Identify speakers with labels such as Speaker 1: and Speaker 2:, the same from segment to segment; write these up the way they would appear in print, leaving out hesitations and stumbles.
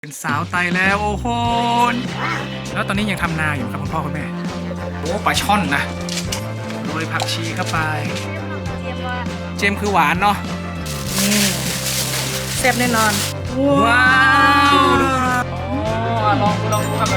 Speaker 1: เป็นสาวไตแล้วโอ้โหแล้วตอนนี้ยังทำนาอยู่ครับคุณพ่อคุณแม่โอ้ปลาช่อนนะโรยผักชีเข้าไปเจมคือหวานเนาะ
Speaker 2: แซ่บแน่นอน
Speaker 1: ว้าวลองดูครับ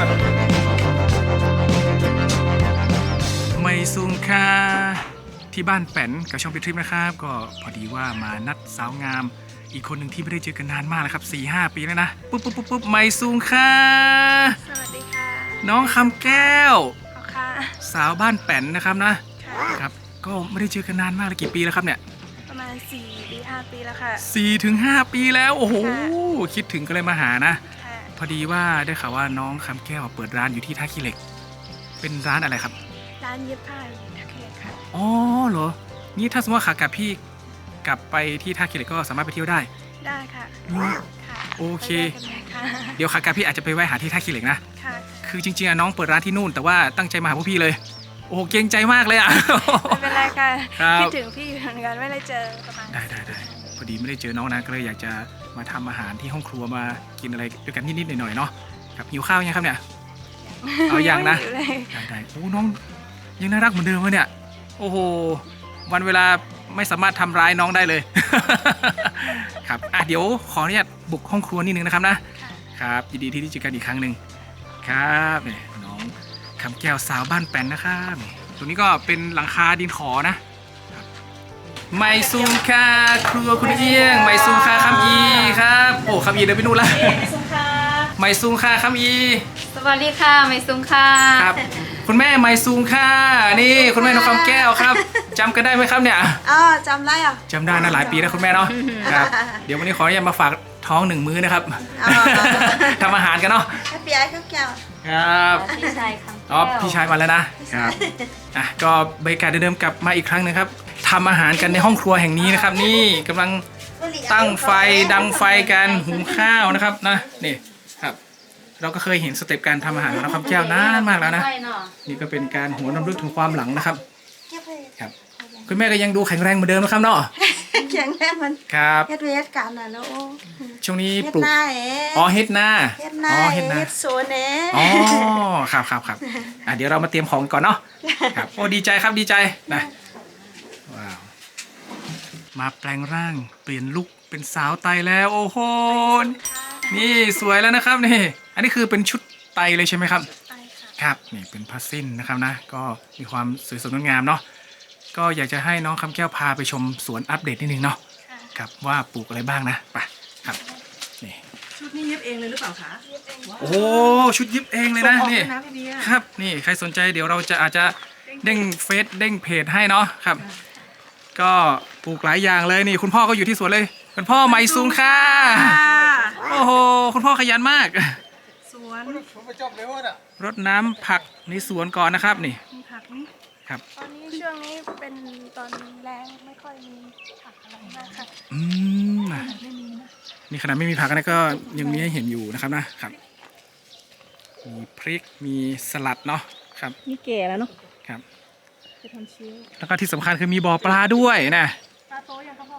Speaker 1: ไม่ซุงค่าที่บ้านแป้นกับช่องปิดทริปนะครับก็พอดีว่ามานัดสาวงามอีกคนหนึ่งที่ไม่ได้เจอกันนานมากแล้วครับ 4-5 ปีแล้วนะปุ๊บไม่ซุงค่า
Speaker 2: สวัสดีค่ะ
Speaker 1: น้องคำแก้ว
Speaker 2: ค่ะ
Speaker 1: สาวบ้านแป้นนะครับนะครับก็ไม่ได้เจอกันนานมากเลยกี่ปีแล้วครับเนี่ย
Speaker 2: ประมาณ4-5 ปีแล้วค่ะ
Speaker 1: 4-5 ปีแล้วโอ้โหคิดถึงก็เลยมาหานะพอดีว่าได้ข่าวว่าน้องคำแก้วเปิดร้านอยู่ที่ท่าขี้เหล็กเป็นร้านอะไรครับ
Speaker 2: ร้านเย็บผ้าท่าขี้เหล็กค่ะ
Speaker 1: อ๋อเหรอนี่ถ้าสมมติว่าขากลับพี่กลับไปที่ท่าขี้เหล็กก็สามารถไปเที่ยวได้
Speaker 2: ค่ะ
Speaker 1: โอเคเดี๋ยวขากลับพี่อาจจะไปแวะหาที่ท่าขี้เหล็กนะคือจริงๆน้องเปิดร้านที่นู่นแต่ว่าตั้งใจมาหาพวกพี่เลยโอ้เกรงใจมากเลยอ่ะ
Speaker 2: ไม่เป็นไรค่ะคิดถึงพี่เหมือนกันไม่ได้เจอประมาณ
Speaker 1: ได้พอดีไม่ได้เจอน้องนะก็เลยอยากจะมาทำอาหารที่ห้องครัวมากินอะไรด้วยกันนิดๆหน่อยๆเนาะครับหิวข้าวยังครับเนี่ยเอายังนะได้โอ้น้องยังน่ารักเหมือนเดิมเลยเนี่ยโอ้โหวันเวลาไม่สามารถทำร้ายน้องได้เลยครับเดี๋ยวขออนุญาตบุกห้องครัวนิดนึงนะครับนะครับยินดีที่ได้เจอกันอีกครั้งหนึ่งครับเนี่ยน้องคำแก้วสาวบ้านแป้นนะครับตรงนี้ก็เป็นหลังคาดินขอนะไมซูมค่าครัวคุณเอี้ยงไมซูมค่าคำอีครับโอ้คำอีเดินไปนู่นละไมซูมค่าคำอี
Speaker 3: สวัสดีค่ะไมซุงค่ะ
Speaker 1: ครับคุณแม่ไมซูมค่านี่คุณแม่น้องคำแก้วครับจำกันได้ไหมครับเนี่ย
Speaker 2: จำได้
Speaker 1: จำได้นะหลายปีแล้วคุณแม่เนาะครับเดี๋ยววันนี้ขออนุญาตมาฝากท้อง1 มื้อนะครับทำอาหารกันเนาะ
Speaker 2: พี่ไอ้ข้าวแก้ว
Speaker 1: ครับ
Speaker 3: พี่ชายคำแก้ว
Speaker 1: พี่ชายมาแล้วนะครับก็บรรยากาศเดิมๆกลับมาอีกครั้งนึงครับทำอาหารกันในห้องครัวแห่งนี้นะครับนี่กำลังตั้งไฟดังไฟกันหุงข้าวนะครับนะนี่ครับเราก็เคยเห็นสเต็ปการทำอาหารของน้องคำแก้วนานมากแล้วนะนี่ก็เป็นการหวนรำลึกถึงความหลังนะครับครับคุณแม่ก็ยังดูแข็งแรงเหมือนเดิมนะครับเนาะ
Speaker 2: แข็งแรงมัน
Speaker 1: ครับ
Speaker 2: เฮ็ดเวทกันนะแล้ว
Speaker 1: ช่วงนี้ปลูกเฮ็ดนา
Speaker 2: เฮ็ดสวน
Speaker 1: ครับเดี๋ยวเรามาเตรียมของก่อนเนาะครับโอ้ดีใจครับดีใจนะว้าวมาแปลงร่างเปลี่ยนลุคเป็นสาวไตแล้วโอ้โหนี่สวยแล้วนะครับนี่อันนี้คือเป็นชุดไตเลยใช่ไหมครับครับนี่เป็นผ้าสิ้นนะครับนะก็มีความสวยสดงดงามเนาะก็อยากจะให้น้องคำแก้วพาไปชมสวนอัปเดตนิดนึงเนาะครับว่าปลูกอะไรบ้างนะไปครับนี่
Speaker 2: ชุดนี้เย็บเองเลยหรือเปล่าคะ
Speaker 1: โอ้ชุดเย็บเองเลยนะนี่ครับนี่ใครสนใจเดี๋ยวเราจะอาจจะเด้งเฟซเด้งเพจให้เนาะครับก็ปลูกหลายอย่างเลยนี่คุณพ่อก็อยู่ที่สวนเลยคุณพ่อไมซุงค่ะโอ้โหคุณพ่อขยันมาก
Speaker 2: สวน
Speaker 1: รดน้ำผักในสวนก่อนนะครับนี่
Speaker 2: ผักนี่
Speaker 1: ครับ
Speaker 2: ตอนนี้ช่วงนี้เป็นตอนแรงไม่ค่อยมีผักอะไรมากค่ะไม่มีนะ
Speaker 1: นี่ขนาดไม่มีผักนะก็ยังมีให้เห็นอยู่นะครับนะครับมีพริกมีสลัดเนาะครับ
Speaker 2: นี่แก่แล้วเนาะ
Speaker 1: ครับ
Speaker 2: จะทำชิว
Speaker 1: แล้วก็ที่สำคัญคือมีบ่อปลาด้วยนะ
Speaker 2: ปลาโตยังครับพ่อ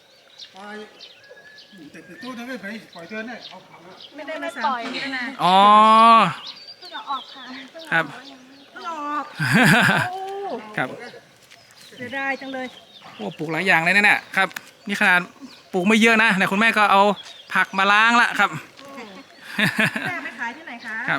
Speaker 4: แต่ตู้นั้นไม่ไปปล่อยเธอเนี่ยเอาผัก
Speaker 2: ไม่ได้มาปล่อยนะ
Speaker 1: อ๋อ
Speaker 2: เพิ่งออกค่ะ
Speaker 1: ครับ
Speaker 2: เพิ่งออก
Speaker 1: ครับ
Speaker 2: เสียดายจังเลย
Speaker 1: โอ้ปลูกหลายอย่างเลยเนี่ยครับนี่ขนาดปลูกไม่เยอะนะแต่คุณแม่ก็เอาผักมาล้างละครับ
Speaker 2: แม่ไปขายที่ไหนคะ
Speaker 1: ครับ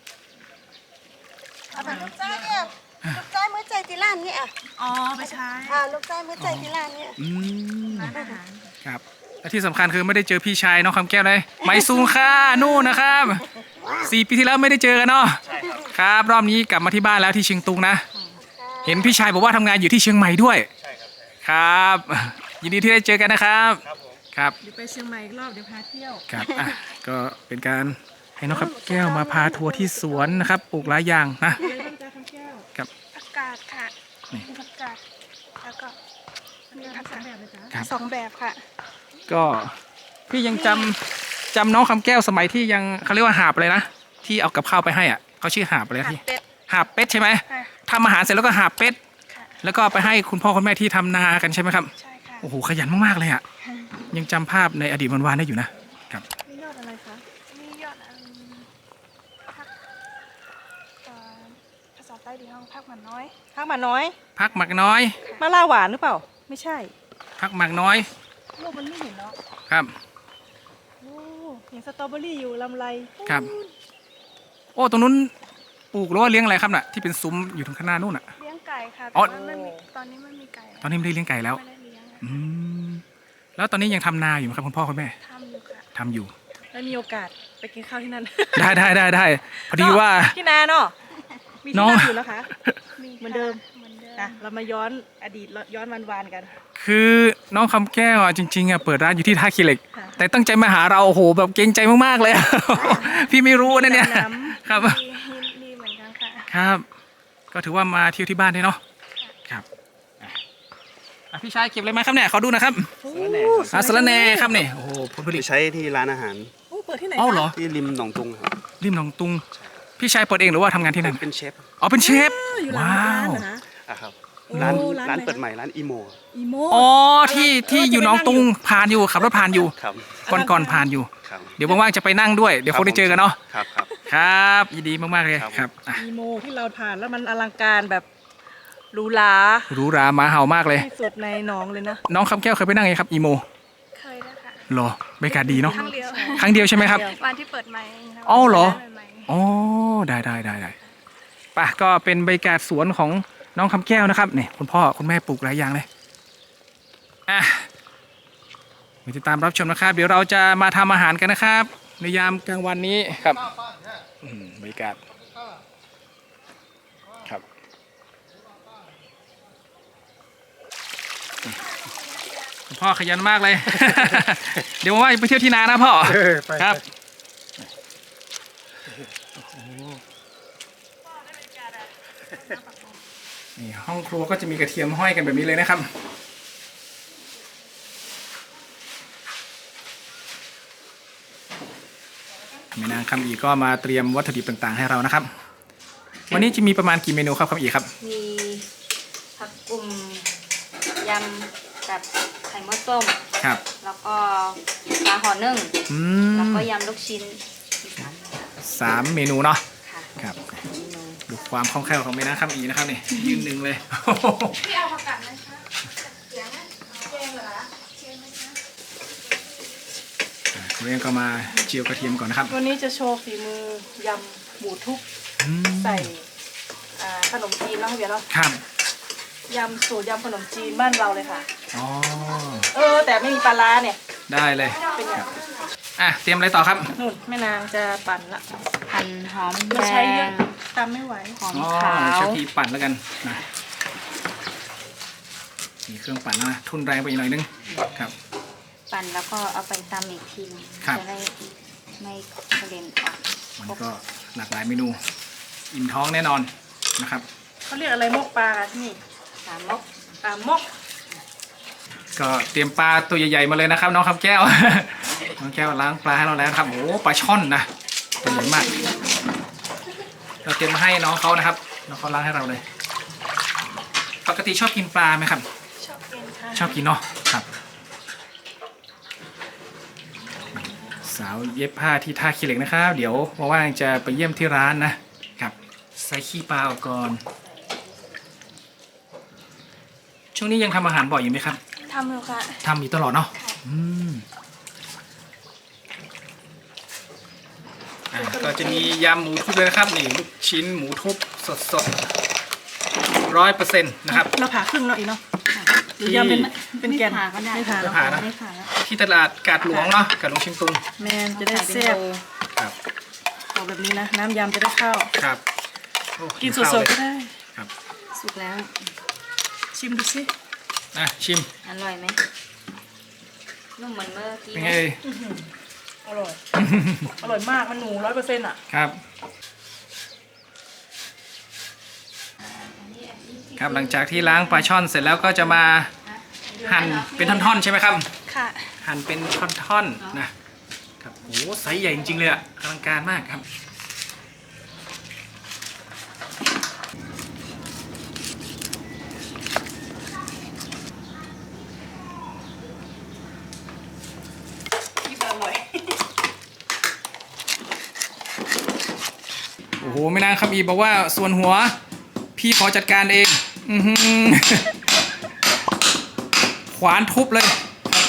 Speaker 2: เอาไปลูกจ้าเนี่ยลูกจ้ามื้อใจที่ร้านนี่อ๋อไปใช้ลูกจ้ามื้อใจที่ร้านนี่
Speaker 1: ครับและที่สำคัญคือไม่ได้เจอพี่ชายน้องคำแก้วเลยไมซูงค่านู่นนะครับ4 ปีที่แล้วไม่ได้เจอกันเนาะครับรอบนี้กลับมาที่บ้านแล้วที่เชียงตุงนะเห็นพี่ชายบอกว่าทำงานอยู่ที่เชียงใหม่ด้วยครับยินดีที่ได้เจอกันนะครับครับ
Speaker 2: เดี๋ยวไปเชียงใหม่อีกรอบเดี๋ยวพาเที่ยว
Speaker 1: ครับก็เป็นการให้น้องคำแก้วมาพาทัวร์ที่สวนนะครับปลูกหลายอย่างนะ
Speaker 2: กับอากาศค่ะอากาศแล้วก็มีผัก2 แบบเลยจ้ะ2 แบบค่ะ
Speaker 1: ก็พี่ยังจำน้องคำแก้วสมัยที่ยังเขาเรียกว่าหาบเลยนะที่เอากับข้าวไปให้อ่ะเขาชื่อหาบอะไรที่หาบเป็ดใช่ไหมทำอาหารเสร็จแล้วก็หาบเป็ดแล้วก็ไปให้คุณพ่อคุณแม่ที่ทำนากันใช่ไหมครับ
Speaker 2: ใช่ค่ะ
Speaker 1: โอ้โหขยันมากๆเลยอ่ะยังจำภาพในอดีตวันๆได้อยู่นะครับ
Speaker 2: มียอดอะไรคะมียอดพักภาษาใต้ดีห้องพักหมันน้อย
Speaker 5: ข้าวหมาน้อย
Speaker 1: พักหมักน้อย
Speaker 5: มะล่าหวานหรือเปล่า ไม่ใช่
Speaker 1: พักหมักน้อย
Speaker 5: ลูกมันไม่เห็นเนาะ
Speaker 1: ครับ
Speaker 5: โอ้เห็นสตรอเบอรี่อยู่ลำไร
Speaker 1: ครับ โอ้ตรงนู้นปลูกหรือว่าเลี้ยงอะไรครับน่ะที่เป็นซุ้มอยู่ตรงข้างหน้านู่นน่ะ
Speaker 2: เลี้ยงไก่ค่ะ
Speaker 1: อ๋
Speaker 2: แต่
Speaker 1: อ
Speaker 2: ว่าไม่มีตอนนี้ไม่มีไก่
Speaker 1: ตอนนี้ไม่ได้เลี้ยงไก่แล้ว
Speaker 2: ไม่ได้เลี้ยงอะ
Speaker 1: อืมแล้วตอนนี้ยังทำนาอยู่ไหมครับคุณพ่อคุณแม่
Speaker 2: ทำอยู่ค่ะ
Speaker 1: ทำอยู่
Speaker 5: ได้มีโอกาสไปกินข้าวที่นั่น
Speaker 1: ได้พอดีว่า
Speaker 5: ที่นาเนาะมี
Speaker 1: น้
Speaker 5: ที่
Speaker 1: อง
Speaker 5: นั่งอยู่นะคะ
Speaker 2: มี
Speaker 5: เหมือนเดิม
Speaker 2: เหมือนเดิม
Speaker 5: นะเรามาย้อนอดีตย้อนวันๆกัน
Speaker 1: คือน้องคำแก้วอ่ะจริงๆอ่ะเปิดร้านอยู่ที่ท่าขี้เหล็ก
Speaker 5: ค่ะ
Speaker 1: แต่ตั้งใจมาหาเราโอ้โหแบบเกรงใจมากๆเลย พี่ไม่รู้นะเนี่ย
Speaker 5: น้
Speaker 1: ครับ
Speaker 2: ดีเหมือนกันค่ะ
Speaker 1: ครับ ก็ถือว่ามาเที่ยวที่บ้านได้เนาะครับพี่ชายเก็บอะไรมาครับเนี่ยขอดูนะครับ
Speaker 5: ำ
Speaker 1: สาระแหน่ครับเนี่ยโอ้โหผลผลิต
Speaker 6: ใช้ที่ร้านอาหาร
Speaker 5: โอ้เปิดที่ไหน
Speaker 1: อ๋อเหรอ
Speaker 6: ที่ริมหนองตุงครับ
Speaker 1: ริมหนองตุง พี่ชายเปิดเองหรือว่าทำงานที่นั่น
Speaker 6: เป็นเชฟ
Speaker 1: อ๋อเป็นเชฟ
Speaker 5: อยู่หลัง
Speaker 1: ว้า
Speaker 5: ร้าน
Speaker 1: ว
Speaker 5: เหรอนะ
Speaker 6: ครับ
Speaker 5: โอ้
Speaker 6: ร้าน
Speaker 5: ร้าน
Speaker 6: ร้าน
Speaker 5: ไหน
Speaker 6: เปิดใหม่ร้านอีโม
Speaker 5: อีโม
Speaker 1: อ๋อที่อยู่หนองตุงผ่านอยู่ขับรถผ่านอยู่
Speaker 6: ครับ
Speaker 1: ก่อนผ่านอยู่
Speaker 6: ครับ
Speaker 1: เดี๋ยวว่างๆจะไปนั่งด้วยเดี๋ยวคงได้เจอกันเนาะ
Speaker 6: ครับครับ
Speaker 1: ครับยินดีมากๆเลย
Speaker 6: ครับ
Speaker 1: ครับอ่ะ
Speaker 5: อีโมที่เราผ่านแล้วมันอลังการแบบหรูหรา
Speaker 1: หรูหราหมาเห่ามากเลย
Speaker 5: ที่สุดในหนองเลยนะ
Speaker 1: น้องคำแก้วเคยไปนั่งไงครับอีโม
Speaker 2: เคยด้วยค่ะ
Speaker 1: เหรอบรรยากาศดีเนาะ
Speaker 2: ครั้งเดียว
Speaker 1: ครั้งเดียวใช่ไหมครับ
Speaker 2: วันที่เปิดใหม่นะ
Speaker 1: อ๋อเหรอ
Speaker 2: ใหม่
Speaker 1: อ๋อได้ป่ะก็เป็นบรรยากาศสวนของน้องคำแก้วนะครับนี่คุณพ่อคุณแม่ปลูกหลายอย่างเลยอ่ะมาติดตามรับชมนะครับ เดี๋ยวเราจะมาทำอาหารกันนะครับ ในยามกลางวันนี้ครับบรรยากาศครับคุณพ่อขยันมากเลย เดี๋ยวว่าจะไปเที่ยวที่นานะพ่อ
Speaker 4: ไป
Speaker 1: ครับ นี่ห้องครัวก็จะมีกระเทียมห้อยกันแบบนี้เลยนะครับแม่นางคำอีก็มาเตรียมวัตถุดิบต่างๆให้เรานะครับ วันนี้จะมีประมาณกี่เมนูครับคำอีครับ
Speaker 3: มีผักกุ่มยำกับไข่มดส้ม
Speaker 1: ครับ
Speaker 3: แล้วก็ปลาห่อนึ่ง
Speaker 1: อื
Speaker 3: แล้ว
Speaker 1: ม
Speaker 3: ก็ยำลูกชิ้นอีสาน
Speaker 1: 3 เมนูเนาะ
Speaker 3: ค่ะ
Speaker 1: ครับ
Speaker 3: เมนู
Speaker 1: ดูความคล่องแคล่วของแม่นางคำอีนะครับนี่ยืนหนึ่งเลย
Speaker 2: พี่เอาผักกาดไหมคะเสียงนะเจงเหรอเจงไหมคะ
Speaker 1: เรียงก็มาเจียวกระเทียมก่อนนะครับ
Speaker 5: วันนี้จะโชว์ฝีมือยำหมูทุบ
Speaker 1: อืม
Speaker 5: ใส่ขนมจีนเนาะพี่เบียร์เนาะ
Speaker 1: ครับ
Speaker 5: ยำสูตรยำขนมจีนบ้านเราเลยค่ะ
Speaker 1: อ๋อ
Speaker 5: แต่ไม่มีปลาร้าเนี่ย
Speaker 1: ได้เลย
Speaker 5: เป็นอย่าง
Speaker 1: อ่ะเตรียมอะไรต่อครับ
Speaker 5: นู่นแม่นางจะปั่นละ
Speaker 3: หั่นหอมแด
Speaker 5: เราใช้เยอะ
Speaker 3: ง
Speaker 5: ตำไม่ไหว
Speaker 3: หอม
Speaker 1: อ๋อ
Speaker 3: ขาว
Speaker 1: ใช้ทีปั่นแล้วกันนะมีเครื่องปั่นนะทุนแรงไปอีกหน่อยนึงครับ
Speaker 3: ปั่นแล้วก็เอาไปตำอีกทีหนึง
Speaker 1: ครับ
Speaker 3: จะได้ไม่กระเด็นออก
Speaker 1: มันก็หลากหลายเมนู อิ่มท้องแน่นอนนะครับ
Speaker 5: เขาเรียกอะไรมกปลาที่นี่
Speaker 3: สามมก
Speaker 5: ปลามก
Speaker 1: ก็เตรียมปลาตัวใหญ่ๆมาเลยนะครับ น้องคำแก้ว น้องแก้วล้างปลาให้เราแล้วนะครับโอ้โหปลาช่อนนะตัวใหญ่มาก เราเตรียมมาให้น้องเขานะครับน้องเขาล้างให้เราเลย ปกติชอบกินปลาไหมครับ
Speaker 2: ชอบกินค่ะ
Speaker 1: ชอบกินเนาะครับ สาวเย็บผ้าที่ท่าขี้เหล็กนะครับ เดี๋ยวว่างๆจะไปเยี่ยมที่ร้านนะครับใส่ขี้ปลาออกก่อน ช่วงนี้ยังทำอาหารบ่อยอยู่ไหมครับ
Speaker 2: ทำอยู่ค่ะ
Speaker 1: ทำอยู่ตลอดเนาะอืมก็จะมียำหมูทุบเลยนะครับนี่ลูกชิ้นหมูทุบสด100%นะครับ
Speaker 5: เราผ่าครึ่งเนาะอีกเนาะหรือยำเป็นแกน
Speaker 3: ไม่ผ่าก็ได้
Speaker 5: ไม่ผ่า
Speaker 1: ไม่
Speaker 5: เนาะ
Speaker 1: ผ่านะ
Speaker 3: ไม่ผ่าแล้ว
Speaker 1: ที่ตลาดกาดหลวงเนาะกาดหลวงเชียงตุง
Speaker 5: แมนจะได้แซ่บ
Speaker 1: ครับ
Speaker 5: เอาแบบนี้นะ น้ำยำจะได้เข้า
Speaker 1: ครับโอ้
Speaker 5: กินส
Speaker 1: ข้าว
Speaker 5: ด
Speaker 1: เลย
Speaker 5: ๆก็ได้
Speaker 1: ครับ
Speaker 3: สุกแล้ว
Speaker 5: ชิมดูสิ
Speaker 1: ชิม
Speaker 3: อร่อยไหมนุ่มเหมือนเมื่อกี้
Speaker 1: เป็น
Speaker 3: ไหม
Speaker 1: ไงเอ่ย
Speaker 5: อร่อย อร่อยมากมันหนู100%อ่ะ
Speaker 1: ครับครับหลังจากที่ล้างปลาช่อนเสร็จแล้วก็จะมาหั่นเป็นท่อนๆใช่ไหมครับ
Speaker 2: ค่ะ
Speaker 1: หั่นเป็นท่อนๆนะครับโอ้โหไซส์ใหญ่จริงๆเลยอะอลังการมากครับโอ้โหไม่นานคำอีบอกว่าส่วนหัวพี่ขอจัดการเองอื้อหือ ขวานทุบเลย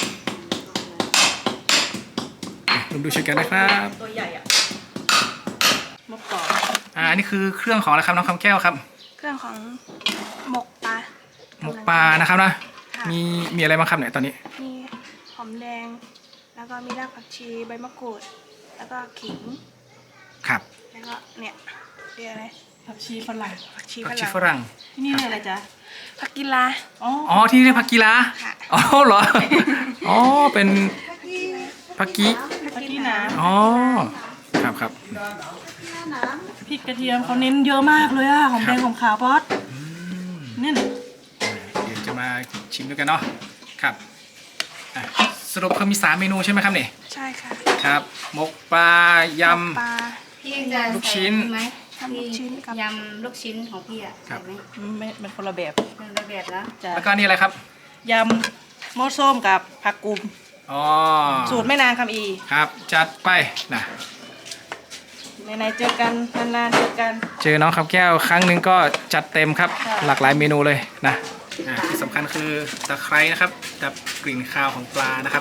Speaker 1: ลองดูช่วยกันนะครับ
Speaker 5: ตัวใหญ่อะมะกอก
Speaker 1: อันนี้คือเครื่องของอะไรครับน้องคำแก้วครับ
Speaker 2: เครื่องของหมกปลา
Speaker 1: หมกปลานะครับนะ
Speaker 2: ค่ะ
Speaker 1: มีอะไรบ้างครับเนี่ยตอนนี้
Speaker 2: มีหอมแดง แล้วก็มีรากผักชีใบมะกรูด แล้วก็ขิง
Speaker 1: ครับ
Speaker 2: แล้วก็เนี่ยเรียกอะไร
Speaker 5: ผักชีฝรั่ง
Speaker 2: ผักชี
Speaker 1: ผัก
Speaker 2: ฝ
Speaker 1: ชี
Speaker 2: รั่ง
Speaker 1: ฝรั่ง
Speaker 5: ที่นี่เรียกอะไรจ๊ะ
Speaker 2: ผักกีลา
Speaker 5: อ๋อ
Speaker 1: อ๋อที่เรียกผักกีฬา
Speaker 2: ค่ะ
Speaker 1: อ๋อเหรออ๋อเป็นผักกี
Speaker 5: ผักชีน้
Speaker 1: อ๋อครับครับ
Speaker 5: ำพริกกระเทียมเขาเน้นเยอะมากเลยอะหอมแดงหอมขาวบอสเนี่ย
Speaker 1: เดี๋ยวจะมาชิมด้วยกันเนาะครับอ่ะสรุปคือมี3เมนูใช่ไหมครับเนี่ย
Speaker 2: ใช่ค่ะ
Speaker 1: ครับหมกปลายำ
Speaker 2: ปลา
Speaker 3: พี่จะ
Speaker 1: ลูกชิ้น
Speaker 3: ใส่ไหม
Speaker 2: ทำลูกชิ้นกับ
Speaker 3: ยำลูกชิ้นของพี่อะ
Speaker 1: ครั
Speaker 3: ใส่
Speaker 1: บ
Speaker 3: ไหม
Speaker 5: ไม่เป็นคนละแบบ
Speaker 3: เป็นระเบียบแล้ว
Speaker 5: จ้ะ
Speaker 1: แล้วก็นี่อะไรครับ
Speaker 5: ยำหม้อส้มกับผักกุม
Speaker 1: อ๋อ
Speaker 5: สูตรแม่นางคำอี
Speaker 1: ครับจัดไปนะ
Speaker 5: ไหนๆเจอกันนานๆเจอกัน
Speaker 1: เจอน้องคำแก้วครั้งหนึ่งก็จัดเต็มครับ
Speaker 5: ค่ะ
Speaker 1: หลากหลายเมนูเลยนะที่สำคัญคือตะไคร้นะครับดับกลิ่นคาวของปลานะครับ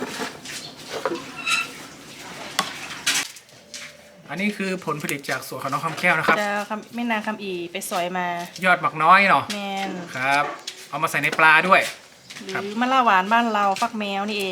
Speaker 1: อันนี้คือผลผลิตจากสวนของน้องคำแก้วนะครับ
Speaker 5: จะแม่นางคำอีไปสอยมาย
Speaker 1: อดหมักน้อยเนาะ
Speaker 5: แมน
Speaker 1: ครับ เอามาใส่ในปลาด้วย
Speaker 5: หรื
Speaker 1: ครับ
Speaker 5: อมะละหวานบ้านเราฟักแมวนี่เอง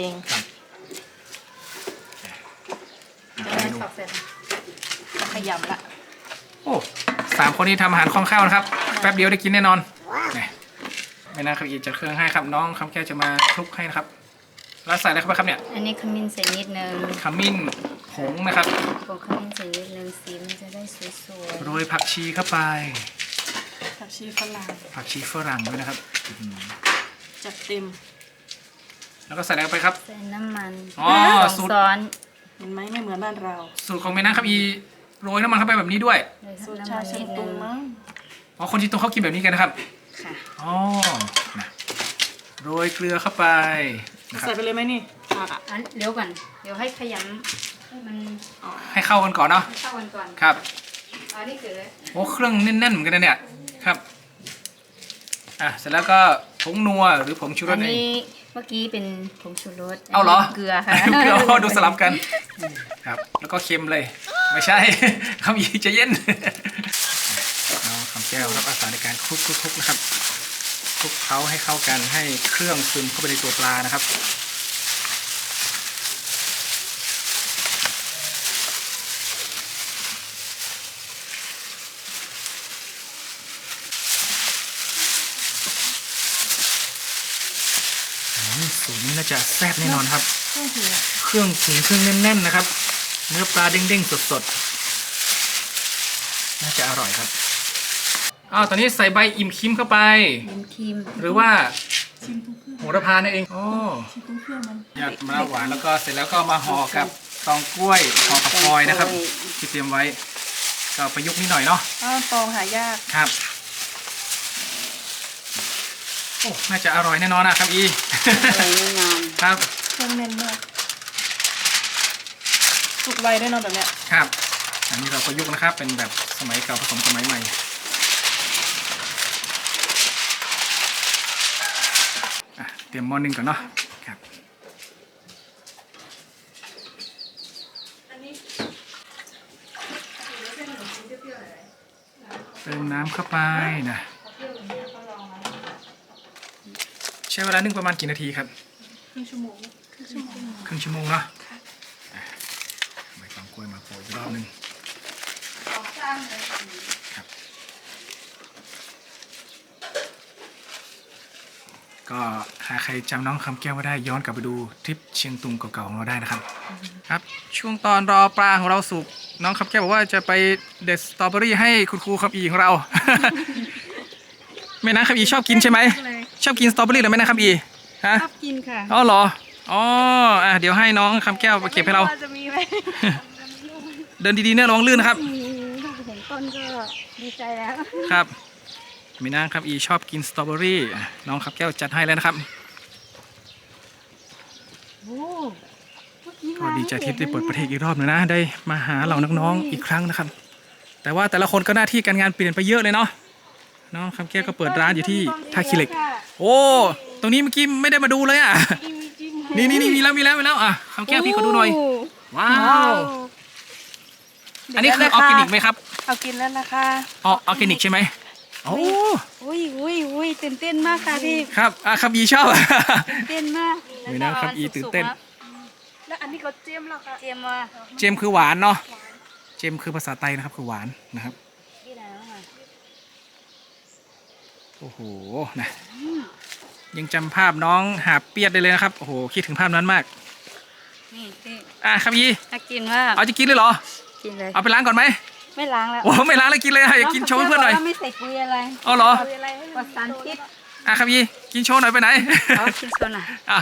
Speaker 3: จะได้สอบเสร็จ
Speaker 5: ขยำละ
Speaker 1: โอ้3 คนนี้ทำอาหารคล่องแคล่วนะครับ แป๊บเดียวได้กินแน่นอนนี่ไม่น่าครับอีกจัดเครื่องให้ครับน้องคำแก้วจะมาคลุกให้นะครับแล้วใส่อะไรเข้าไปครับเนี่ย
Speaker 3: อันนี้ขมิ้นใส่นิดนึง
Speaker 1: ขมิ้นผงนะครับ
Speaker 3: ผงขมิ้นใส่นิดนึงสีมันจะได้สวย
Speaker 1: โรยผักชีเข้าไป
Speaker 5: ผักชีฝรั่ง
Speaker 1: ผักชีฝรั่งด้วยนะครับ
Speaker 5: จัดเต็ม
Speaker 1: แล้วก็ใส่อะไรเข้าไปครับ
Speaker 3: ๆใส่น้ำมัน
Speaker 1: อ๋อ
Speaker 3: สอง
Speaker 1: สูตร
Speaker 3: ซ้อน
Speaker 5: เห็นไหมไม่เหมือนบ้านเรา
Speaker 1: สูตรของแม่นางครับอีโรยน้ำมันเข้าไปแบบนี้ด้วย
Speaker 3: เลย
Speaker 5: สูตร
Speaker 3: น้ำ
Speaker 5: ชา
Speaker 3: มัน
Speaker 5: เชี
Speaker 3: นิ
Speaker 5: ยง
Speaker 3: ด
Speaker 5: ตุ
Speaker 3: นึ
Speaker 5: ง
Speaker 3: ง
Speaker 5: มั้ง
Speaker 1: อ๋อคนจีนตรงเขากินแบบนี้กันนะครับ
Speaker 3: ค่ะ
Speaker 1: อ๋อนะโรยเกลือเข้าไปนะครั
Speaker 5: ใส่
Speaker 1: บ
Speaker 5: ไปเลยไหมนี่ผักอ่ะ
Speaker 3: อันเดี๋ยวก่อนเดี๋ยวให้ขยำให้มัน
Speaker 1: ให้เข้ากันก่อนเนาะ
Speaker 3: ให้เข้ากันก่อน
Speaker 1: ครับ
Speaker 3: อันนี้คือ
Speaker 1: โอ้เครื่องแน่นๆเหมือนกันนะเนี่ยครับเสร็จแล้วก็ผงนัวหรือผงชูร
Speaker 3: อั
Speaker 1: ส
Speaker 3: น
Speaker 1: เอง
Speaker 3: นี้เมื่อกี้เป็นผงชูรส
Speaker 1: เอาเหรอ
Speaker 3: เกลือค่ะ
Speaker 1: เกลืออ๋อดูสลับกันครับแล้วก็เค็มเลยไม่ใช่ คำยีจะเย็นน้องคำแก้วรับอาสาในการคลุกๆนะครับคลุกเคล้าให้เข้ากันให้เครื่องซึมเข้าไปในตัวปลานะครับสูตรนี้น่าจะแซ่บแน่นอนครับ เครื่องถึงเครื่องแน่นๆนะครับ เนื้อปลาเด้งๆสดๆน่าจะอร่อยครับตอนนี้ใส่ใบอิ่มคิมเข้าไป
Speaker 3: น้ำครีม
Speaker 1: หรือว่าโหระพานั่นเองหยอดมะนาวหวานแล้วก็เสร็จแล้วก็มาห่อกับตองกล้วยห่อกับฟอยล์นะครับ ที่เตรียมไว้ก็ประยุกต์นิดหน่อยเนาะ
Speaker 5: อ้าวตองหายาก
Speaker 1: ครับโอ้น่าจะอร่อยแน่นอนนะครับอี
Speaker 3: ใส่แน่นอน
Speaker 1: ครับ
Speaker 5: เครื่องแน่นมากสุกไวด้วยเนาะแบบเนี้ย
Speaker 1: ครับอันนี้เราประยุกต์นะครับ เป็นแบบสมัยเก่าผสมสมัยใหม่เตรียมหม้อนึ่งก่อนเนาะครับเติมน้ำเข้าไปนะใช้เวลานึ่งประมาณกี่นาทีครับ
Speaker 2: ครึ่งชั่วโมง
Speaker 1: ครึ่งชั่วโมงเนาะใบตองกล้วยมาโปรยอีกรอบหนึงครับก็หากใครจำน้องคำแก้วไว้ได้ย้อนกลับไปดูทริปเชียงตุงเก่าๆของเราได้นะครับ ครับ ช่วงตอนรอปลาของเราสุกน้องคำแก้วบอกว่าจะไปเด็ดสตรอเบอรี่ให้คุณครูคำอีของเรา แม่นางคำอีชอบกินใช่ไหมชอบกินสตรอเบอรี่หรือแม่นางคำอีฮะ
Speaker 2: ชอบกินค่ะ
Speaker 1: อ๋อเหรอ อ๋อเดี๋ยวให้น้องคำแก้วไปเก็บให้เรา
Speaker 2: ไม่ว่าจะมีไหม
Speaker 1: เดินดีๆเนี่ยระวังลื่นนะครับ
Speaker 2: ถ้าเห็นต้นก็ดีใจแล้ว
Speaker 1: ครับมีนางครับอีชอบกินสตรอเบอรี่น้องครับแก้วจัดให้แล้วนะครับ ก็ดีใจที่ได้เปิดประเทศอีกรอบหนึงนะ ได้มาหาเหล่าน้องๆอีกครั้งนะครับแต่ว่าแต่ละคนก็หน้าที่การงานเปลี่ยนไปเยอะเลยเนาะน้องคำแก้วก็เปิดร้านอยู่ที่ท่าขี้เหล็ก โอ้ตรงนี้เมื่อกี้ไม่ได้มาดูเลยอ่ะนี่มีแล้วอ่ะคำแก้วพี่ขอดูหน่อยว้าวอันนี้คือออร์แกนิกไหมครับ
Speaker 2: เอากินแล้วนะคะ
Speaker 1: ออร์แกนิกใช่ไหมโอ้
Speaker 3: อุ้ยตื่นเต้นมากค่ะพี่
Speaker 1: ครับคำยีชอบ
Speaker 3: ตื่นเต้นมาก
Speaker 1: นี่นะครับอีตื่นเต้น
Speaker 2: แล้วอันนี้ก็เจียมแล้วค่ะ
Speaker 3: เจียมว่า
Speaker 1: เจมคือหวานเนาะเจมคือภาษาไทยนะครับคือหวานนะครับ
Speaker 3: ที่ไหนบ้างอ่ะ
Speaker 1: โอ้โหนะยังจำภาพน้องหาบเปียดได้เลยนะครับโอ้โหคิดถึงภาพนั้นมาก
Speaker 3: นี่พี่
Speaker 1: คำยี
Speaker 3: น่ากินมาก
Speaker 1: เอาจะกินเลยเหรอ
Speaker 3: กินเลย
Speaker 1: เอาไปล้างก่อนไหม
Speaker 3: ไม่ล้างแล้ว
Speaker 1: โอ้ไม่ล้างเลยกินเลยอยากกินโชว์ให้เพื่อนหน่อย
Speaker 3: งไม่ใส่ปุ๋ยอะไร
Speaker 1: เอาเหรอ
Speaker 3: ปลอดสารพิษ
Speaker 1: คำยีกินโชว์หน่อยไปไหน
Speaker 3: เอากินโซนอ่ะ
Speaker 1: อ่ะ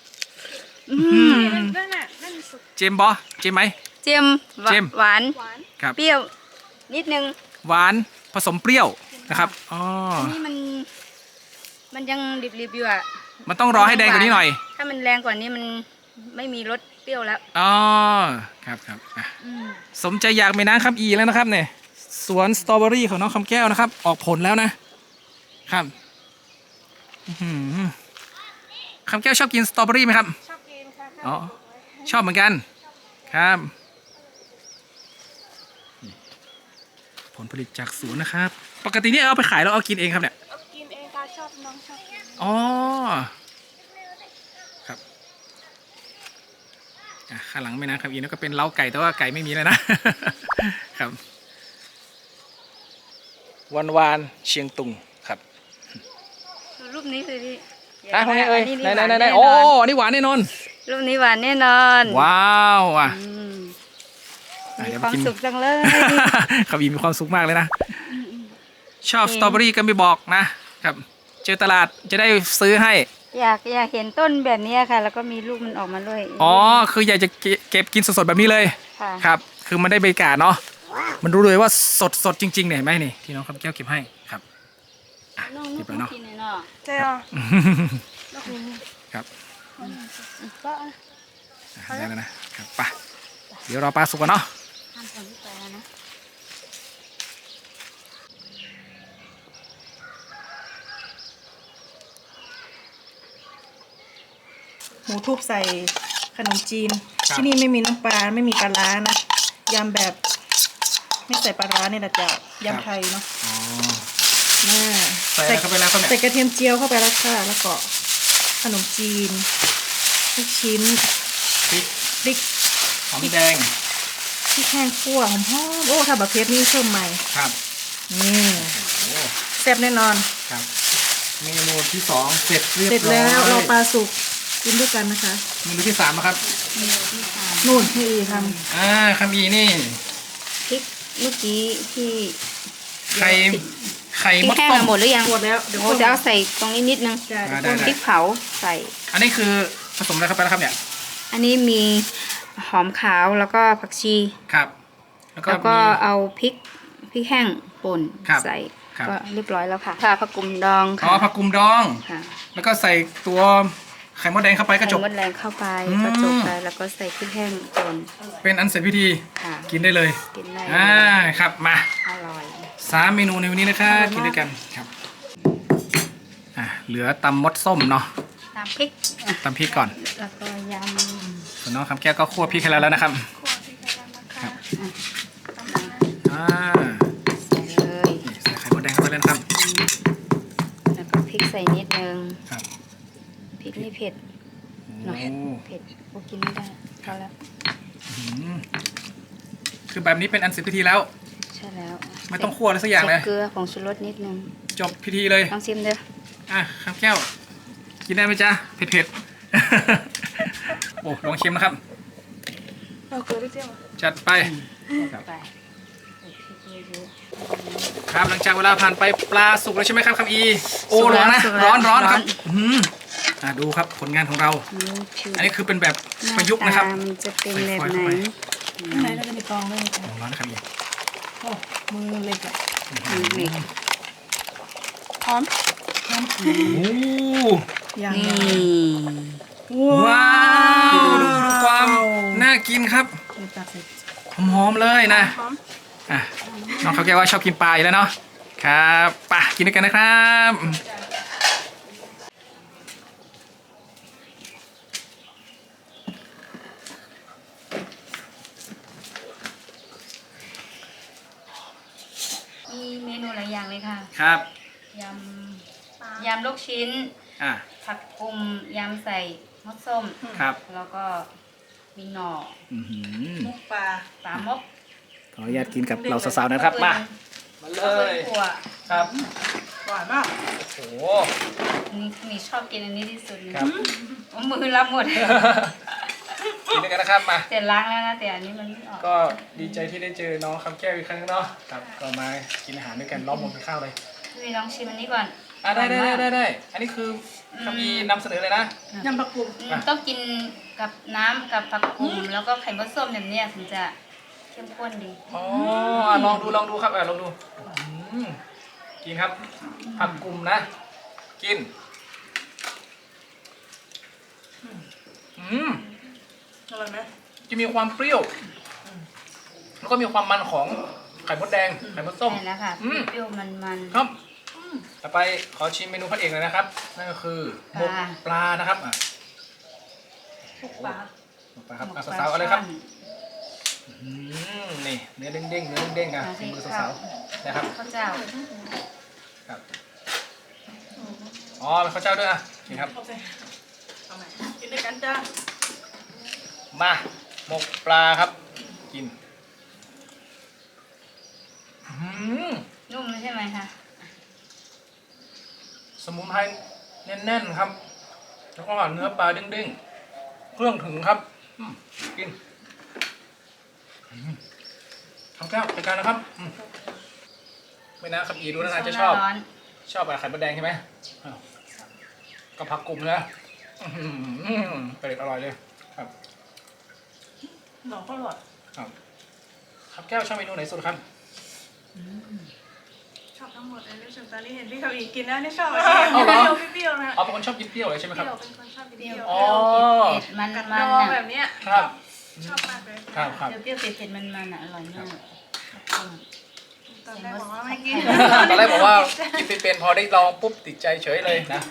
Speaker 2: นั่นน่ะนั่นสุก
Speaker 1: เจมบอเจมไหม
Speaker 3: เจียม
Speaker 1: เจียม
Speaker 3: หวาน
Speaker 2: หวาน
Speaker 1: ครับ
Speaker 3: เปรี้ยว นิดนึง
Speaker 1: หวานผสมเปรี้ยวนะครับอ๋อ
Speaker 3: อันนี้มันยังดิบๆอยู่อ่ะ
Speaker 1: มันต้องรอให้แดงกว่านี้หน่อย
Speaker 3: ถ้ามันแรงกว่านี้มันไม่มีรสเปรี้ยวแล้ว
Speaker 1: อ๋อครับอ่ะสมใจอยากไปน้ำคำอีแล้วนะครับเนี่ยสวนสตรอเบอรี่ของน้องคำแก้วนะครับ ออกผลแล้วนะครับอื้อหือคำแก้วชอบกินสตรอเบอรี่ไหมครับ
Speaker 2: ชอบกินค่ะ
Speaker 1: อ๋อชอบเหมือนกันครับนี่ผลผลิตจากสวนนะครับ ปกตินี่เอาไปขายแล้วเอากินเองครับเนี่ย
Speaker 2: เอากินเองค่ะชอบน้องชอบกิน
Speaker 1: อ๋อครับข้างหลังแม่น้ำคำอีนั่นก็เป็นเล้าไก่แต่ว่าไก่ไม่มีเลยนะ ครับวันเชียงตุงครับ
Speaker 3: ดูรูปนี้สิพี่
Speaker 1: คนนี้เอ้ย
Speaker 3: อั
Speaker 1: ไหน
Speaker 3: หวาแ
Speaker 1: โอ้อันนี้หวานแน่นอน
Speaker 3: รูปนี้หวานแน่นอน
Speaker 1: ว้าวอ่ะ
Speaker 3: อืม
Speaker 1: อ่ะ
Speaker 3: มี
Speaker 1: เดี๋ยว
Speaker 3: ค
Speaker 1: มา
Speaker 3: วาม
Speaker 1: กิน
Speaker 3: สุขจังเลย
Speaker 1: คำอีมีความสุขมากเลยนะ ชอบสตรอเบอรี่ก็ไม่บอกนะครับ เจอตลาดจะได้ซื้อให้
Speaker 3: อยากเห็นต้นแบบนี้ค่ะ แล้วก็มีลูกมันออกมาด้วย
Speaker 1: อ๋อ คืออยากจะเก็บกินสดๆแบบนี้เลย
Speaker 3: ค่ะ
Speaker 1: ครับ คือมันได้บรรยากาศเนาะ มันรู้เลยว่าสดจริงๆเนี่ยเห็นไหมนี่ที่น้องคำแก้วเก็บให้ครับอ่ะ
Speaker 3: น้อง
Speaker 1: เก็บแล้วเนาะ
Speaker 3: กินเลยเนาะ
Speaker 2: เจ้า
Speaker 1: ครับ
Speaker 3: ก็
Speaker 1: ได้แล้วนะครับไปเดี๋ยวรอปลาสุกก่อนเนาะ
Speaker 3: ทำผลไปแล้วนะ
Speaker 5: หมูทุบใส่ขนมจีน ที่นี่ไม่มีน้ำปลาไม่มีปลาร้านะยำแบบไม่ใส่ปลาร้าเนี่ยนะจ๊ะยำไทยเนาะ
Speaker 1: อ๋อ
Speaker 5: น่า
Speaker 1: ใส่อะไรเข้าไปแล้วครับเนี่ย
Speaker 5: ใส่กระเทียมเจียวเข้าไปแล้วค่ะแล้วก็ขนมจีนลูกชิ้น
Speaker 1: พริก
Speaker 5: พริก
Speaker 1: หอมแดง
Speaker 5: พริกแห้งคั่วหอมๆโอ้ถ้าแบบเพชรนี่เพิ่มใหม่
Speaker 1: ครับ
Speaker 5: นี่
Speaker 1: โอ้
Speaker 5: แซ่บแน่นอน
Speaker 1: ครับ เมนูที่สองเสร็จเรียบ
Speaker 5: เสร็จ
Speaker 1: ร้อย
Speaker 5: แล้วเราปลาสุกกินด้วยกันนะคะ
Speaker 1: เมนูที่สามนะครับ
Speaker 5: นู่นที่ท
Speaker 1: คำอีนี่
Speaker 3: พริกเมื่อกี้ที่
Speaker 1: ไข่
Speaker 3: พริ
Speaker 1: ม
Speaker 3: ก
Speaker 1: ด
Speaker 3: แห้ง
Speaker 1: ต้ม
Speaker 3: มาหมดหรือยัง
Speaker 5: ำหมดแล้วเดี๋ยว
Speaker 3: โอ้จะเอาใส่ตรงนี้นิดนึง
Speaker 5: จะ
Speaker 1: ได้
Speaker 3: พริกเผาใส่
Speaker 1: อันนี้คือผสมอะไรเข้าไปแล้วครับเนี่ย
Speaker 3: อันนี้มีหอมขาวแล้วก็ผักชี
Speaker 1: ครับ แล้วก็
Speaker 3: แล้วก็
Speaker 1: มี
Speaker 3: เอาพริกแห้งป่น
Speaker 1: ครับ
Speaker 3: ใส่
Speaker 1: ครับ
Speaker 3: ก็เรียบร้อยแล้วค่ะผักกุมดอง
Speaker 1: อ๋อ
Speaker 3: ค่ะ
Speaker 1: ผักกุมดอง
Speaker 3: ค่ะ
Speaker 1: แล้วก็ใส่ตัวไข่มดแดงเข้าไปก็จบ
Speaker 3: ใส่มดแรงเข้าไป
Speaker 1: อืม
Speaker 3: ก็จบไปแล้วก็ใส่พริกแห้งป่น
Speaker 1: เป็นอันเสร็จพิธี
Speaker 3: ค่ะ
Speaker 1: กินได้เลย
Speaker 3: กินได้
Speaker 1: ครับมา
Speaker 3: อร่อย
Speaker 1: 3 เมนูในวันนี้นะครับกินด้วยกันครับเหลือตำมดส้มเนาะ
Speaker 3: ตามพริก
Speaker 1: ตำพริกก่อน
Speaker 3: แล้วก็ย
Speaker 1: ส่วนน้องคำแก้วก็คั่วพริกให้แล้วนะครับ
Speaker 2: ขวดที่กระดานนะคะ
Speaker 1: อ่า
Speaker 3: ำใส่เลย
Speaker 1: นี่ใส่ไข่มดแดงเข้าไปเลยนะครับ
Speaker 3: แล้วก็พริกใส่นิดนึง
Speaker 1: ครับ
Speaker 3: พริกนี่เผ็ด
Speaker 1: โอ้
Speaker 3: เผ็ดโอ้กินไม่ได้พอแล้ว
Speaker 1: อืมคือแบบนี้เป็นอันเสร็จพิธีแล้ว
Speaker 3: ใช่แล้ว
Speaker 1: ไม่ต้องคั่วอะไรสักอย่างเลย
Speaker 3: ใส่เกลือผงชูรสนิดนึง
Speaker 1: จบพิธีเลย
Speaker 3: ลองชิมเด้อ
Speaker 1: คำแก้ว กินได้ไหมจ๊ะเผ็ดๆ โอ้ลองชิมนะครับ
Speaker 2: เอาเกลือด้วยเจ้า
Speaker 1: จัดไปครับ
Speaker 3: ไปใส่พริกเยอะ
Speaker 1: ครับหลังจากเวลาผ่านไปปลาสุกแล้วใช่ไหมครับคำอีโอ้
Speaker 3: สุก
Speaker 1: ร้
Speaker 3: แล้
Speaker 1: อ
Speaker 3: วน
Speaker 1: นะ
Speaker 3: สุกแล้ว
Speaker 1: ร้อน
Speaker 3: ร้อน
Speaker 1: ครับดูครับผลงานของเรา อันนี้คือเป็นแบบประยุกต์นะครับ
Speaker 3: หาตามันจะเป็นแบบไหน
Speaker 5: ข้างในเราจะมีกรองด้วยจ้ะ
Speaker 1: ร้อนนะครับอี
Speaker 5: โอ้มือเล็กอะ
Speaker 3: นี่
Speaker 2: พร้อม
Speaker 1: โอ้
Speaker 5: อย่าง
Speaker 3: นี่
Speaker 1: ว้าวดูความน่ากินครับ
Speaker 5: ตักใส่
Speaker 1: หอมๆเลยนะ
Speaker 2: พร้อม
Speaker 1: อ่ะน้องเขาแก้วว่าชอบกินปลาอยู่แล้วเนาะครับไปกินด้วยกันนะครับ
Speaker 3: มีเมนูหลายอย่างเลยค่ะ
Speaker 1: ครับ
Speaker 3: ยำลูกชิ้น
Speaker 1: อ่ะ
Speaker 3: ผักกุมยำใส่มดส้ม
Speaker 1: ครับ
Speaker 3: แล้วก็มีหน่อ
Speaker 1: อื้อหือ
Speaker 5: มุกปลา
Speaker 3: ปลามก
Speaker 1: ขออนุญาตกินกับเราสาวๆนะครับมามาเล
Speaker 3: แล้วก็
Speaker 1: ย
Speaker 3: ถั่ว
Speaker 1: ครับ
Speaker 5: หวานมาก
Speaker 1: โอ้โห
Speaker 3: นี่ชอบกินอันนี้ที่สุดเลย
Speaker 1: ครับ
Speaker 3: เอามือรับหมด
Speaker 1: กินด้วยกันนะครับมา
Speaker 3: แต่ล้างแล้วนะแต่อันนี้มันไม่ออก
Speaker 1: ก็ดีใจที่ได้เจอน้องคำแก้วอีกครั้งเนาะครับก็มากินอาหารด้วยกันล้อมวงกินข้าวเลย
Speaker 3: พี่ลองชิมอันนี้ก่อน
Speaker 1: ได้อันนี้คือคำมีนำเสนอเลยนะ
Speaker 5: ยำผักกุม
Speaker 3: ต้องกินกับน้ำกับผักกุมแล้วก็ไข่มดส้มแบบเนี้ยถึงจะเข้มข้นดี
Speaker 1: อ๋อลองดูครับลองดูอืมกินครับผักกลุ่มนะ กินอืม
Speaker 5: อร่อยไหม
Speaker 1: จะมีความเปรี้ยว แล้วก็มีความมันของไข่มดแดง ไข่มดส้ม
Speaker 3: ใช่แล้วค่ะ
Speaker 1: อืม
Speaker 3: เปรี้ยวมัน
Speaker 1: ครับต่อไปขอชิมเมนูพระเอกเลยนะครับ นั่นก็คือหมกปลานะครับอ่ะ
Speaker 5: มุกปลา
Speaker 1: หมกปลาครับ
Speaker 3: หมก
Speaker 1: อ่ะ
Speaker 3: ปลา
Speaker 1: สาวๆเอาเลยครับ
Speaker 3: ช่อน
Speaker 1: นี่เนื้อเด้งๆเนื้อเด้งๆอ่ะ
Speaker 3: เอาสิ
Speaker 1: ฝีมือสาวๆนะครับ
Speaker 3: ข้าวเจ้า
Speaker 1: ครับอ๋อเป็นข้าวเจ้าด้วยอ่ะนี่ครับ
Speaker 5: โอเคเอาใหม่กินด้วยกันจ้า
Speaker 1: มาหมกปลาครับ กินอื้อหือ
Speaker 3: นุ่มใช่ไหมคะ
Speaker 1: สมุนไพรแน่นๆครับ แล้วก็เนื้อปลาเด้งๆ เครื่องถึงครับกินทำแก้วจัดการนะครับไม่นะครับอีดูน่าจะชอบ
Speaker 3: ร้อน
Speaker 1: ชอบอะไรไข่มดแดงใช่ไหมอ้าวก็ผักกลุ่มนะเป็ดอร่อยเลยครับ
Speaker 5: หน่อก็อร่อย
Speaker 1: ครับแก้วชอบเมนูไหนสุดครับ
Speaker 2: ชอบทั้งหมดเลยรู้สึกตอนนี้เห็นพี่เขาอีกกินแล้วนี่ชอบอะไร
Speaker 1: เอาเหรอ
Speaker 2: เปรี้ยวๆนะ
Speaker 1: อ๋อเป็นคนชอบกินเปรี้ยวเลยใช่ไหม
Speaker 2: เป
Speaker 1: ครับ
Speaker 2: รี้ยวเป็นคนชอบกิน
Speaker 3: เป
Speaker 2: เป
Speaker 3: รี้
Speaker 2: รี้
Speaker 3: ย
Speaker 2: ยว ว
Speaker 1: อ๋อ
Speaker 3: เผ็ดมัน
Speaker 2: กับ
Speaker 3: มัน
Speaker 2: ดอง
Speaker 3: อ่ะ
Speaker 2: แบบเนี้ย
Speaker 1: ครับ
Speaker 2: ชอบมากเลย
Speaker 1: ครับ
Speaker 3: เปรี้ยวๆเผ็ดๆมันอ่ะอร่อยมาก
Speaker 2: ตอนแรกบอกว่าไม่กิน
Speaker 1: ตอนแรกบอกว่ากินเป็นพอได้ลองปุ๊บติดใจเฉยเลยนะ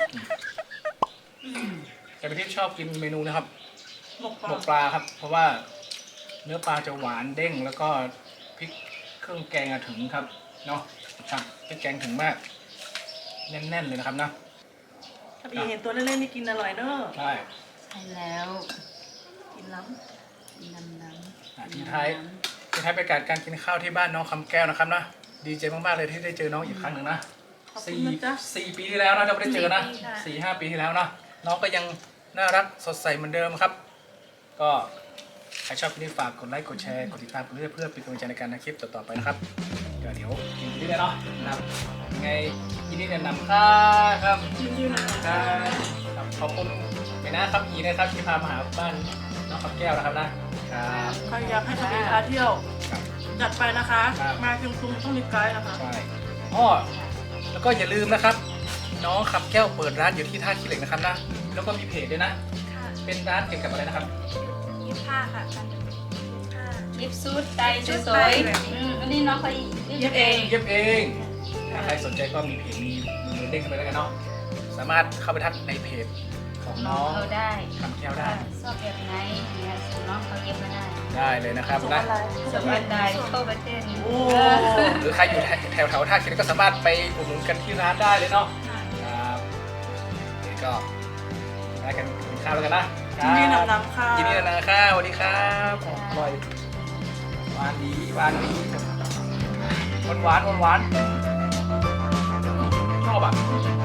Speaker 1: แต่พี่ทิพย์ชอบกินเมนูนะครับ
Speaker 5: หมกป
Speaker 1: หม
Speaker 5: ลาก
Speaker 1: ปลาครับ เพราะว่าเนื้อปลาจะหวานเด้งแล้วก็พริกเครื่องแกงอะถึงครับเนาะครับพริกแกงถึงมากแน่นๆเลยนะครับนะ
Speaker 5: ถ้าพี่เห็นตัวเล่นๆนี่กินอร่อยเนอะ
Speaker 1: ใช่
Speaker 3: ใช่แล้ว
Speaker 5: กินล้
Speaker 3: กินน้ำ
Speaker 1: ทิ้งท้ายเป็นการกินข้าวที่บ้านน้องคำแก้วนะครับนะดีใจมากๆเลยที่ได้เจอน้องอีกครั้งหนึ่งนะ
Speaker 5: ำขอบคุณนะจ๊ะ
Speaker 1: สี่ปีที่แล้วนะเราไม่ได้เจอนะ4-5 ปีที่แล้วนะน้องก็ยังน่ารักสดใสเหมือนเดิมครับ ก็ใครชอบคลิปนี้ฝากกดไลค์กดแชร์กดติดตามกันเรื่อยเพื่อเป็นกำลังใจในการทำคลิปต่อๆไปนะครับเดี๋ยวกินที่ได้เนาะนะครับยังไงยินดีแนะนำครับครับขอบคุณไปนะครับอีนะครับที่พามาหาบ้านน้องคำแก้วนะครับนะครับ
Speaker 5: ใครอยากให้ทำเองพาเที่ยว
Speaker 1: ครับ
Speaker 5: จัดไปนะคะ
Speaker 1: ครับ
Speaker 5: มาเชียงตุงต้องมีไกด์นะคะ
Speaker 1: ใช่อ้อแล้วก็อย่าลืมนะครับ น้องขับแก้วเปิดร้านอยู่ที่ท่าขี้เหล็กนะครับนะแล้วก็มีเพจด้วยนะ
Speaker 2: ค่ะ
Speaker 1: เป็นร้านเกี่ยวกับอะไรนะครับ
Speaker 2: 25ค่ะ25
Speaker 3: ยิบซูดไตสวยๆอันนี้น้องเขาเย็บเอง
Speaker 1: เย็บเองถ้าใครสนใจก็มีเพจมีมือเด้งเข้าไปแล้วกันเนาะสามารถเข้าไปทักในเพจของ
Speaker 3: น้
Speaker 1: น้
Speaker 3: อ
Speaker 1: อง ง
Speaker 3: เขาได้
Speaker 1: คำแก้วได้
Speaker 3: ชอบแบบไหนเนี่ยน้องเขาเย็บมาได้
Speaker 1: ได้เลยนะครับนะ
Speaker 3: สวัสดีทั่วประเทศ
Speaker 5: โอ้
Speaker 1: หรือใครอยู่แถวท่าขี้เหล็กก็สามารถไปอุดหนุนกันที่ร้านได้เลยเนาะครับนี่ก็ได้กันกินข้าวแล้วกันนะ
Speaker 5: ยินดีนำค่ะ
Speaker 1: ยินดีนะข้าวสวัสดีครับอร่อยหวานดีหวานดีหวานชอบอ่ะ